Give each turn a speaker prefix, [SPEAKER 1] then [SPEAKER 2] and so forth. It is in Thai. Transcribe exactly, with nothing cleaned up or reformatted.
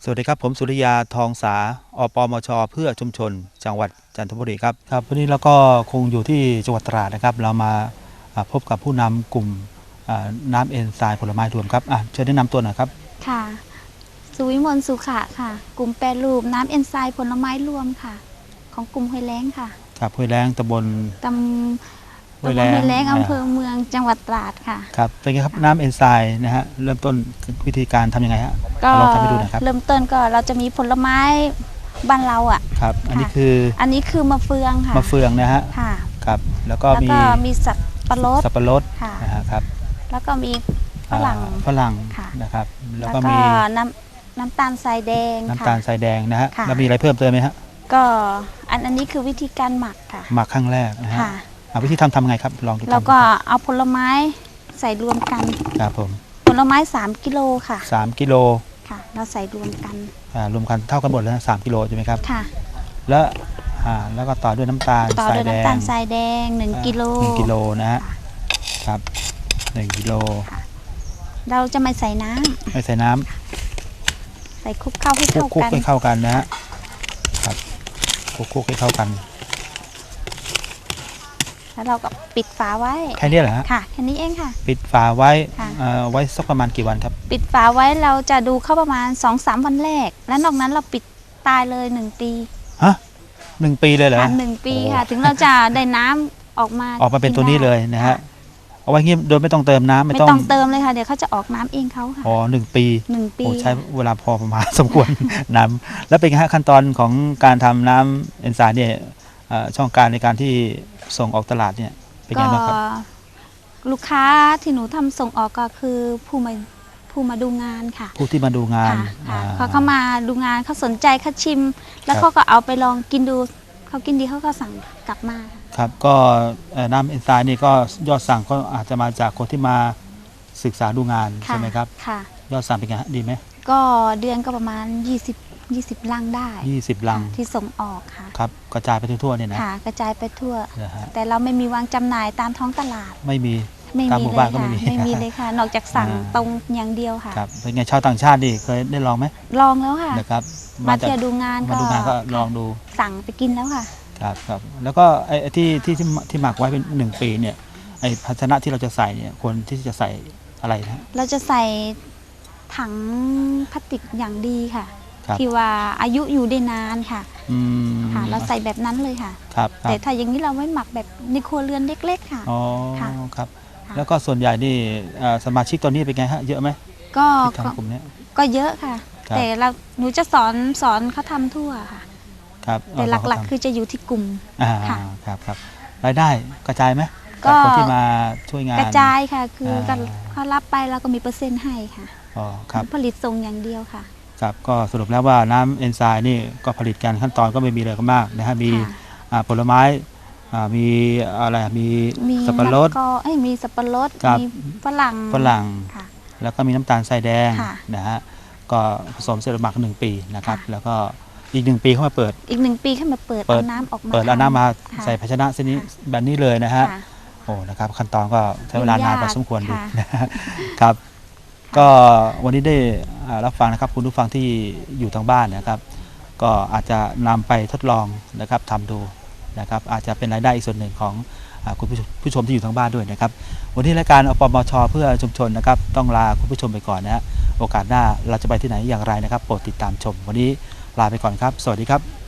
[SPEAKER 1] สวัสดีครับผมสุริยาทองสาอปมชเพื่อชุมชนจังหวัดจันทบุรีครับครับวันนี้เราก็คงอยู่ที่จังหวัดตราดนะครับเรามาพบกับผู้นำกลุ่มน้ำเอนไซม์ผลไม้รวมครับเชิญแนะนำตัวหน่อยครับ
[SPEAKER 2] ค่ะสุวิมลสุขะค่ะกลุ่มแปรรูปน้ำเอนไซม์ผลไม้รวมค่ะของกลุ่มห้วยแล้งค่ะ
[SPEAKER 1] ครับห้วยแล้งตำบล
[SPEAKER 2] ตำห้วยแล้งอำเภอเมืองจังหวัดตราดค่ะ
[SPEAKER 1] ครับเป็นไงครับน้ำเอนไซม์นะฮะเริ่มต้นวิธีการทำยังไงฮะ
[SPEAKER 2] ก็ลองทำให้ดูนะครับเริ่มต้นก็เราจะมีผลไม้บ้านเราอ่ะ
[SPEAKER 1] ครับอันนี้คือ
[SPEAKER 2] อันนี้คือมะเฟืองค่ะ
[SPEAKER 1] มะเฟืองนะฮะ
[SPEAKER 2] ค่ะ
[SPEAKER 1] ครับแล้วก็มี
[SPEAKER 2] มีสับปะรด
[SPEAKER 1] สับปะรดนะฮะครับ
[SPEAKER 2] แล้วก็มีฝรั่ง
[SPEAKER 1] ฝรั่งนะครับ
[SPEAKER 2] แล้วก็มีน้ำน้ำตาลทรายแดง
[SPEAKER 1] น้ำตาลทรายแดงนะฮะแล้วมีอะไรเพิ่มเติมไหมฮะ
[SPEAKER 2] ก็อันอันนี้คือวิธีการหมักค่ะ
[SPEAKER 1] หมักครั้งแรกนะฮะวิธีทำทำไงครับลองดู
[SPEAKER 2] แล้วก็เอาผลไม้ใส่รวมกัน
[SPEAKER 1] ครับผม
[SPEAKER 2] ผลไม้สามกิโลค่ะ
[SPEAKER 1] สามกิโล
[SPEAKER 2] ค่ะเราใส่รวมกัน
[SPEAKER 1] อ่ารวมกันเท่ากันหมดแล้วสามกิโลใช่ไหมครับ
[SPEAKER 2] ค่ะ
[SPEAKER 1] แล้วอ่าแล้วก็ต่อด้วยน้ำตาล
[SPEAKER 2] ต่อด้วยน้ำตาลทรายแดงหนึ่งกิโล
[SPEAKER 1] หนึ่งกิโลนะฮะครับหนึ่งกิโล
[SPEAKER 2] เราจะไม่ใส่น้ำ
[SPEAKER 1] ไม่ใส่น้ำ
[SPEAKER 2] ใส่คลุกเข้าให้เข้ากัน
[SPEAKER 1] คลุกให้เข้ากันนะฮะครับคลุกคลุกให้เข้ากัน
[SPEAKER 2] แล้วเราก็ปิดฝาไว้
[SPEAKER 1] แค่นี้เหรอฮะ
[SPEAKER 2] ค่ะแค่นี้เองค่ะ
[SPEAKER 1] ปิดฝาไว้ไว้สักประมาณกี่วันครับ
[SPEAKER 2] ปิดฝาไว้เราจะดูเข้าประมาณ สองสาม วันแรกแล้วนอกนั้นเราปิดตายเลยหนึ่งปี
[SPEAKER 1] ฮะหนึ่งปีเลยเหรอ
[SPEAKER 2] หนึ่งปีค่ะถึงเราจะได้น้ำออกมา
[SPEAKER 1] ออกมาเป็นตัวนี้เลยนะฮะเอาไว้งี้โดยไม่ต้องเติมน้ำ
[SPEAKER 2] ไม่ต้องเติมเลยค่ะเดี๋ยวเขาจะออกน้ำเองเขาค่ะ
[SPEAKER 1] อ๋อหนึ่งปี
[SPEAKER 2] หนึ่งปี
[SPEAKER 1] ใช้เวลาพอประมาณสมควรน้ำแล้วเป็นไงฮะขั้นตอนของการทำน้ำเอนไซม์เนี่ยช่องการในการที่ส่งออกตลาดเนี่ยเป็นไงบ้างครับ
[SPEAKER 2] ลูกค้าที่หนูทำส่งออกก็คือผู้มาผู้มาดูงานค่ะ
[SPEAKER 1] ผู้ที่มาดูงาน
[SPEAKER 2] เขาเข้ามาดูงานเขาสนใจเขาชิมแล้วเขาก็เอาไปลองกินดูเขากินดีเขาก็สั่งกลับมา
[SPEAKER 1] ครับก็น้ำเอนไซม์นี่ก็ยอดสั่งก็อาจจะมาจากคนที่มาศึกษาดูงานใช่ไหมครับ
[SPEAKER 2] ค่ะ
[SPEAKER 1] ยอดสั่งเป็นไงดีไหม
[SPEAKER 2] ก็เดือนก็ประมาณยี่สิบ ยี่สิบลังได้
[SPEAKER 1] ยี่สิบลัง
[SPEAKER 2] ที่ส่งออกค่ะ
[SPEAKER 1] ครับกระจายไปทั่วเนี่ยนะ
[SPEAKER 2] ค่ะกระจายไปทั่วแต่เราไม่มีวางจำหน่ายตามท้องตลาด
[SPEAKER 1] ไม่มี
[SPEAKER 2] ตามหมู่บ้านก็ไม่มีไม่มีเลยค่ะนอกจากสั่งตรงอย่างเดียวค่ะ
[SPEAKER 1] ครับเป็นไงชาวต่างชาติดิเคยได้ลองไหม
[SPEAKER 2] ลองแล้วค่ะ
[SPEAKER 1] นะครับ
[SPEAKER 2] มาเที่ยวดูงาน
[SPEAKER 1] มาดูงานก็ลองดู
[SPEAKER 2] สั่งไปกินแล้วค่ะ
[SPEAKER 1] ครับครับแล้วก็ไอ้ที่ที่ที่หมักไว้เป็นหนึ่งปีเนี่ยไอ้ภาชนะที่เราจะใส่เนี่ยควรที่จะใส่อะไรนะ
[SPEAKER 2] เราจะใส่ถังพลาสติกอย่างดีค่ะที่ว่าอายุอยู่ได้นานค่ะค่ะเราใส่แบบนั้นเลยค่ะ
[SPEAKER 1] ครับ
[SPEAKER 2] แต่ถ้าอย่างนี้เราไม่หมักแบบในครัวเรือนเล็กๆค่ะ
[SPEAKER 1] อ๋อครับแล้วก็ส่วนใหญ่นี่สมาชิกตอนนี้เป็นไงฮะเยอะไหม
[SPEAKER 2] ก็
[SPEAKER 1] ทางกลุ่มนี้
[SPEAKER 2] ก็เยอะค่ะแต่เราหนูจะสอนสอนเขาทำทั่วค่ะ
[SPEAKER 1] ครับ
[SPEAKER 2] แต่หลักๆคือจะอยู่ที่กลุ่ม
[SPEAKER 1] ค่ะครับครับรายได้กระจายไหมก็คนที่มาช่วยงาน
[SPEAKER 2] กระจายค่ะคือเขารับไปเราก็มีเปอร์เซ็นต์ให้ค่ะ
[SPEAKER 1] อ๋อครับ
[SPEAKER 2] ผลิตส่งอย่างเดียวค่ะ
[SPEAKER 1] ครับก็สรุปแล้วว่าน้ำเอนไซม์นี่ก็ผลิตกันขั้นตอนก็ไม่มีอะไรก็มากนะฮะมีผลไม้มีอะไรมีสับปะรด
[SPEAKER 2] ก็มีสับปะรดมีฝรั่ง
[SPEAKER 1] ฝรั่งแล้วก็มีน้ำตาลทรายแดงนะฮะก็ผสมเสร็จหมักหนึ่งปีนะครับแล้วก็อีกหนึ่งปีเข้ามาเปิด
[SPEAKER 2] อีกหนึ่งปีเข้ามาเปิดเอาน้ำออกมา
[SPEAKER 1] เปิดเอาน้ำมาใส่ภาชนะเส้นนี้แบบนี้เลยนะฮะโอ้นะครับขั้นตอนก็ใช้เวลานานพอสมควรดูนะครับก็วันนี้ได้รับฟังนะครับคุณผู้ฟังที่อยู่ทางบ้านนะครับก็อาจจะนำไปทดลองนะครับทำดูนะครับอาจจะเป็นรายได้อีกส่วนหนึ่งของคุณผู้ชมที่อยู่ทางบ้านด้วยนะครับวันนี้รายการอปมชเพื่อชุมชนนะครับต้องลาคุณผู้ชมไปก่อนนะฮะโอกาสหน้าเราจะไปที่ไหนอย่างไรนะครับโปรดติดตามชมวันนี้ลาไปก่อนครับสวัสดีครับ